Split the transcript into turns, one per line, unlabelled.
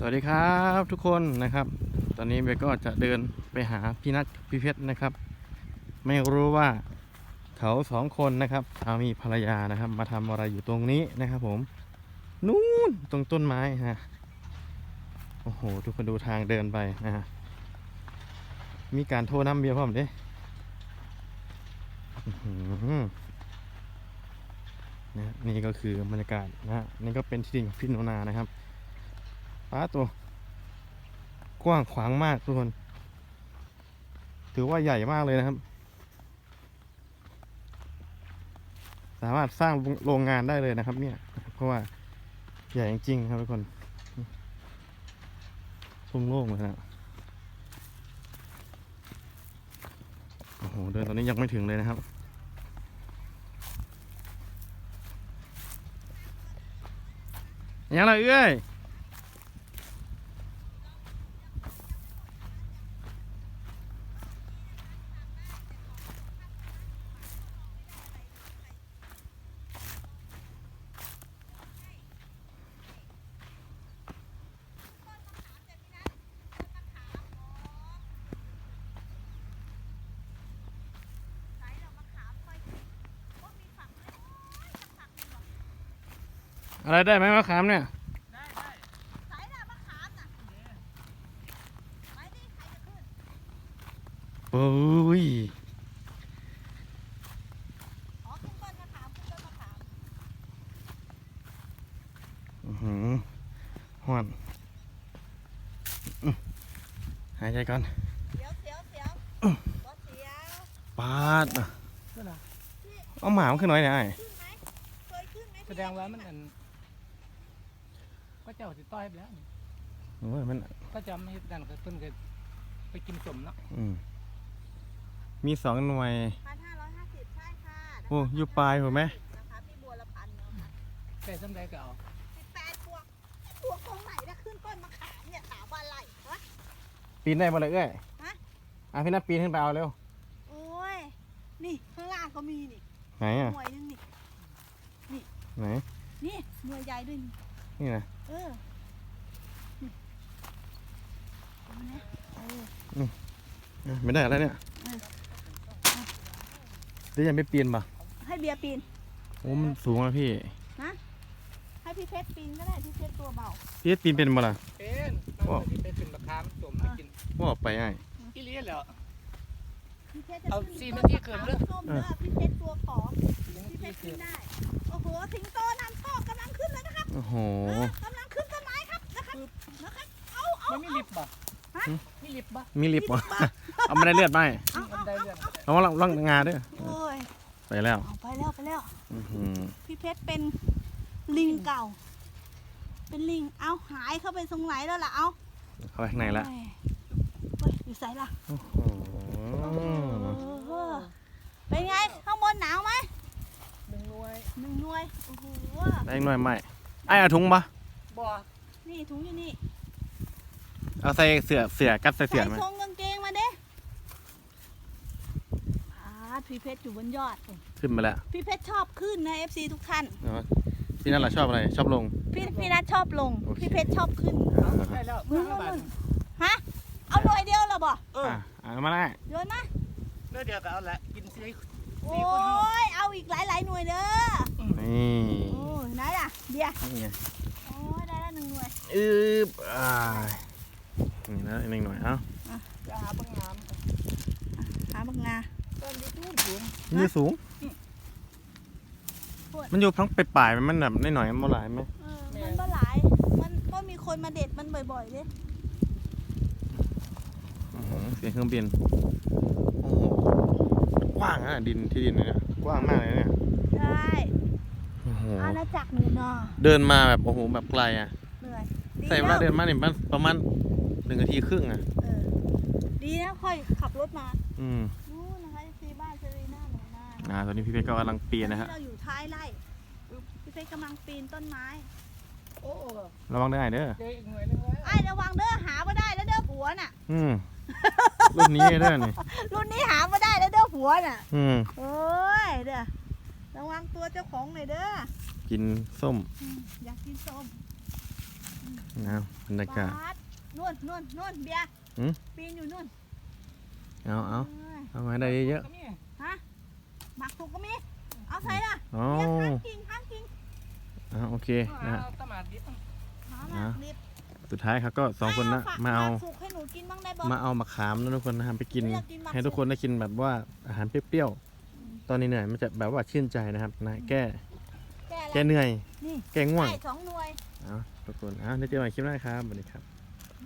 วัสดีครับทุกคนนะครับตอนนี้เบก็จะเดินไปหาพี่นัทพี่เพชรนะครับไม่รู้ว่าเขาสองคนนะครับสามีภรรยานะครับมาทำอะไรอยู่ตรงนี้นะครับผมนู่นตรงต้นไม้ฮะโอ้โหทุกคนดูทางเดินไปนะฮะมีการโทรน้ำเบียร์พร้อมเด้นะนี่ก็คือบรรยากาศนะนี่ก็เป็นที่ดินของพี่โนนานะครับป้าตัวกว้างขวางมากทุกคนถือว่าใหญ่มากเลยนะครับสามารถสร้างโรงงานได้เลยนะครับเนี่ยเพราะว่าใหญ่จริงๆครับทุกคนโล่งๆเลยนะโอ้โหเดินตอนนี้ยังไม่ถึงเลยนะครับยังไงเอ้ยอะไรได้ไหมมะขามเนี่ยโอ้ยฮ้อนหายใจก่อนปาดเอาหมาขึ้นหน่อยเนี่ย
แสดงว่ามันก็เจ้าสิต้อยไปแล้ว
โอ้ยมัน
ก็จะไม่ดันก็เพิ่นก็ไปกินสมเนาะ
มี2 หน่วย
1,550ใช่ค่ะ
โอ้อยู่ปลายถูกไหม
นะคะพี่บัวละพันเนาะค่ะ
แต่สำใดก็เอา
18พวกตรงไหนนะขึ้นต้นมะขามเนี่ยถามว่าอะไรฮะ
ปีนได้มาเลยเอ้ย
ฮะ
พี่นัทปีนขึ้นไปเอาเร็ว
โอ้ยนี่ข้างล่างก็มีนี่
ไหนอ่ะ
หน่วยนึงนี่
ไหน
นี่หน่วยใหญ่ด้วยนี่
นี่นะ
นี่เอามาเนี่ย
ไม่ได้อะไรเนี่ยหรือยังไม่ปีนป่ะ
ให้เบียร์ปีน
โอ้มันสูงอะพี่
นะให้พี่เพชรปีนก็ได้พี่เพชรตัวเบา
พี่ปีนเป็นบ่ล่ะ
เป็นมันสิไปเป็นมะขามสมให้กิน
ว่าออกไปไอ้
อีเลียนแล้ว
พี่เพชรจะ
เอา
ขึ้น
4
ต้
นาทีเกินเลย
ส้มเด้อพี่เพชรตัวขอพี่เพชรขึ้นได้โอ้โหสิงโตนำโชคกำลังขึ้นเลยนะครับ
โอ้โห
กำลังขึ้นต้นไม้ครับนะครับเอา
มันมีลิฟต์ป่ะมีลิฟต์ป่ะ
มีลิฟต์ป่ะเอาไม่ได้เลือดไป
มันได้เรื่อง
เอาล่องงาด้วย
โอ้ย
ไปแล้ว
เอาไปแล้ว
อื้อหือ
พี่เพชรเป็นลิงเก่า เป็นลิงเอาหายเข้าไปตรงไหนแล้วล่ะเอา
เข้าไปข้างในแล้ว
เฮ้ยอยู่ไสล่ะ
โอ้โห
เป็นไงข้างบนหนาวไหม
1 หน่วย
1 หน่วยโอ้โห
ได้อีกหน่อยไหมไอ้เอาถุงปะ
บ่
นี่ถุงอยู่นี่
เอาใส่เสือกัดใส่เสือไหม
ทรงกางเกงมาเด้พี่เพชรอยู่บนยอด
ขึ้นมาแล้ว
พี่เพชรชอบขึ้นนะ FC ทุกท่าน
พี่นั่นแหละชอบอะไรชอบลง
พี่นัทชอบลง
โอเค
พี่เพชรชอบขึ้น
ได้แล้วเมื่อบัด
ฮะ เอาหน่วยเดียวเหรอบ่
เอามาได้
โยนมา
เดี๋ยวก็เอาละกินสิ
โอ้ย เอาอีกหลายหน่วยเด้อ
นี่
โอ้ยไหนล่ะเดียว
นี่ไง
โอ้ยได้แล้ว1 หน่วย
นี่นะอีกหนึ่งหน่อยเอ้า
จะหาบางงาม
หาบักงา
ต้นที่สูง
นี่สูง มันอยู่ทั้งไปปลายมันแบบหน่อยๆมันหลายไหม
มันก็หลาย มันก็มีคนมาเด็ดมันบ่อยๆเลย
เสียงเครื่องบินโอ้โหกว้างอ่ะดินที่ดินเนี่ยกว้างมากเลยเนี่ย
ใช่
โอ้โห
อาณาจักรหนูนา
เดินมาแบบโอ้โหแบบไกลอ่ะ
เหนื่อย
ใส่เวลาเดินมาเนี่ยประมาณ1 นาทีครึ่งอ่ะ
ดีนะค่อยขับรถมา
อืม
นู่นนะคะที่บ้านเซรีน่าหนูนา
ตอนนี้พี่เพชรก็กำลังปีนนะฮะ
เราอยู่ท้ายไร่พี่เพชรกำลังปีนต้นไม้
โอ้
ระวังได้เด้อ
เดี๋ยวอีกหน่วยนึงเลย
ไอ้ระวังเด้อหาไม่ได้แล้วเด้อผัวน่ะ
รุ่นนี้เด้อนี่
รุ่นนี้หาไม่ได้แล้วเด้อผัวน่ะ
อ
โอ้ยเด้อระวังตัวเจ้าของหน่อยเด้อ
กินส้ม
อยากกินส้ม
ไหนบรรยากาศ
บาสนู่นเบียร์
หืม
ปีนอยู่นู่น
เอา
เอ้ย
เอามาได้เยอะ
ก็มี
ฮะหมักถูกก็มีเอาใส่ละ
ๆอ๋อ
เบียร์ข้างกิ่ง
โอเคนะฮะ
เอาตะหมาดดิบ
หาหมักดิบ
สุดท้ายครับก็สองคนนะ
ฝก
มาเอา
หกสุกให้หนูกินบ้างได้บ่
มาเอามะขามนะทุกคนนะครับไปกิน
อยากกินมะขาม
ให้ทุกคนได้กินแบบว่าอาหารเปรี้ยวๆตอนนี้เหนื่อยมันจะแบบว่าชื่นใจนะครับนะแก้
แก่
แก้เหนื่อย
นี่
แก้ง่วง
ได้2 หน่วย
เอาทุกคนเดี๋ยวเจอกันใหม่คลิปหน้าครับสวัสดีครับ